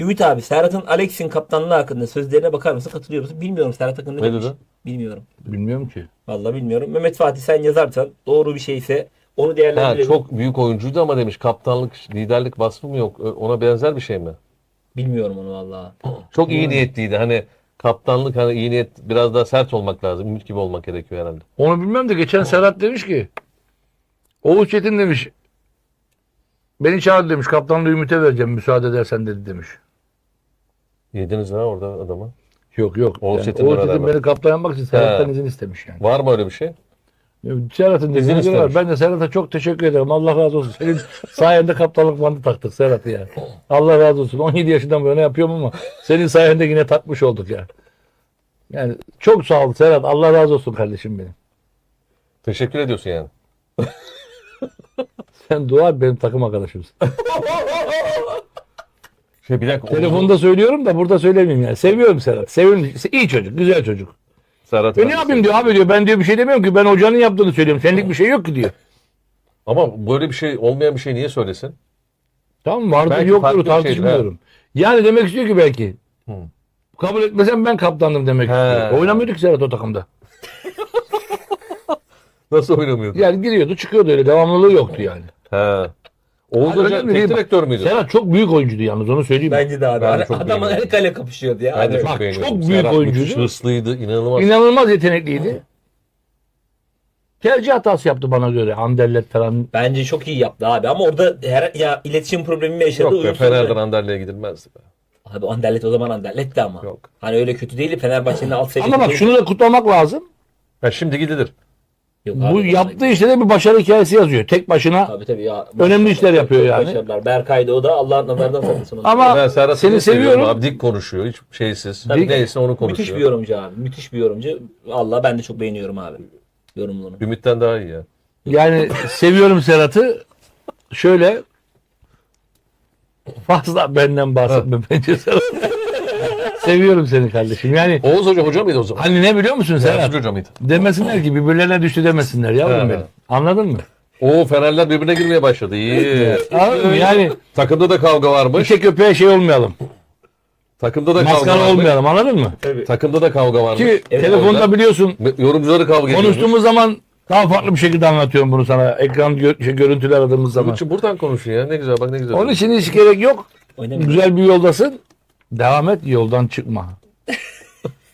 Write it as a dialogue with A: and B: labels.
A: Ümit abi, Serhat'ın Alex'in kaptanlığı hakkında sözlerine bakar mısın? Katılıyor musun? Bilmiyorum, Serhat hakkında ne
B: Ne
A: demiş?
B: dedi?
A: Bilmiyorum.
C: Bilmiyorum ki.
A: Vallahi bilmiyorum. Mehmet Fatih, sen yazarsan doğru bir şeyse onu
B: Ha,
A: değerlendirelim.
B: çok büyük oyuncuydu ama demiş kaptanlık, liderlik vasfı mı yok? Ona benzer bir şey mi?
A: Bilmiyorum onu vallahi.
B: Çok iyi niyetliydi. Hani kaptanlık, hani iyi niyet, biraz daha sert olmak lazım. Ümit gibi olmak gerekiyor herhalde.
C: Onu bilmem de geçen Serhat demiş ki Oğuz Çetin demiş beni çağırdı demiş, kaptanlığı Ümit'e vereceğim müsaade edersen dedi demiş.
B: Yediniz ha orada adamı.
C: Yok yok.
B: Oğuz
C: Yani
B: Çetin'le
C: Oğuz Çetin
B: beraber.
C: beni kaptan yapmak için Serhat'tan
B: He.
C: izin istemiş yani.
B: Var mı öyle bir şey?
C: Serhat'ın
B: İzin
C: izini var.
B: istemiş.
C: Ben de Serhat'a çok teşekkür ederim. Allah razı olsun. Senin sayende kaptanlık bandı taktık Serhat'ı ya. Allah razı olsun. 17 yaşından bu yana yapıyorum ama senin sayende yine takmış olduk ya. Yani çok sağ ol Serhat. Allah razı olsun kardeşim benim.
B: Teşekkür ediyorsun yani.
C: Sen dua et, benim takım arkadaşımsın.
B: Bir dakika.
C: Telefonda söylüyorum da burada söylemeyeyim yani. Seviyorum Serhat. Seviyorum. İyi çocuk. Güzel çocuk.
B: Serhat
C: Ne yapayım diyor abi diyor. Ben diyor bir şey demiyorum ki. Ben hocanın yaptığını söylüyorum. Senlik bir şey yok ki diyor.
B: Ama böyle bir şey, olmayan bir şey niye söylesin?
C: Tamam, vardır
B: Belki
C: yoktur
B: farklı bir şeydir,
C: tartışmıyorum. Yani demek istiyor ki belki.
B: Hı.
C: Kabul etmesem ben kaptandım demek
B: He.
C: istiyor. Oynamıyordu ki Serhat o takımda.
B: Nasıl oynamıyordu?
C: Yani giriyordu çıkıyordu, öyle devamlılığı yoktu yani.
B: He. Oğuz
C: Hayır,
B: Hoca
C: önemli
B: tek
C: değil.
B: direktör müydü?
C: Serhat çok büyük oyuncuydu yalnız, onu söyleyeyim.
A: Bence de abi.
B: Ben de çok
A: Adam
B: beğeniyorum.
A: el kale kapışıyordu ya.
B: Ben de
A: Hani
B: çok
C: Bak,
B: beğeniyorum.
C: çok büyük
B: Serhat
C: oyuncuydu.
B: müthiş hırslıydı, inanılmaz.
C: İnanılmaz yetenekliydi. Tercih hatası yaptı bana göre. Anderlet falan.
A: bence çok iyi yaptı abi, ama orada ya iletişim problemi mi yaşadı?
B: Yok be,
A: uyumsuzluğu.
B: Fener'den Anderle'ye gidilmezdi be.
A: Abi Anderlet o zaman Anderlet'ti ama.
B: Yok.
A: Hani öyle kötü değil, Fenerbahçe'nin alt seviyesi.
C: Ama bak,
A: değil.
C: şunu da kutlamak lazım.
B: Ha, şimdi gidilir.
A: Yok
C: Bu
A: abi,
C: yaptığı işte de bir başarı hikayesi yazıyor. Tek başına.
A: Tabii ya.
C: Önemli işler yapıyor
A: Çok
C: yani.
A: başarılar. Berkay da o da Allah'ın nazardan saklasın onu.
C: Ama
B: Ben Serhat'ı
C: seni
B: çok seviyorum
C: seviyorum.
B: abi. Dik konuşuyor. Hiç şeysiz.
A: Tabii.
B: Neyse onu konuşuyor.
A: Müthiş bir yorumcu abi. Müthiş bir yorumcu. Allah, ben de çok beğeniyorum abi yorumunu.
B: Ümit'ten daha iyi ya.
C: Yani seviyorum Serhat'ı. Şöyle fazla benden bahsetme bence Serhat. Seviyorum seni kardeşim. Yani
B: Oğuz Hoca mıydı o zaman?
C: hani ne biliyor musun Serhat?
B: Yardımcı Hoca mıydı?
C: Demesinler ki birbirlerine düştü demesinler yavrum
B: He.
C: benim. Anladın mı?
B: Oo, Fenerler birbirine girmeye başladı. İyi.
C: Anladın mı? Yani
B: Takımda da kavga varmış.
C: işe köpeğe şey olmayalım.
B: Takımda da kavga
C: Maskara
B: varmış.
C: olmayalım, anladın mı?
B: Takımda da kavga varmış.
C: Ki
A: Evet,
C: telefonda
B: orada.
C: biliyorsun
B: Yorumcuları kavga ediyormuş.
C: konuştuğumuz zaman daha farklı bir şekilde anlatıyorum bunu sana. Ekran görüntüler aradığımız zaman.
B: Ümit'ciğim buradan konuşun ya. Ne güzel, bak ne güzel.
C: Onun için hiç gerek yok.
A: Oynamıyor.
C: Güzel bir yoldasın. Devam et, yoldan çıkma.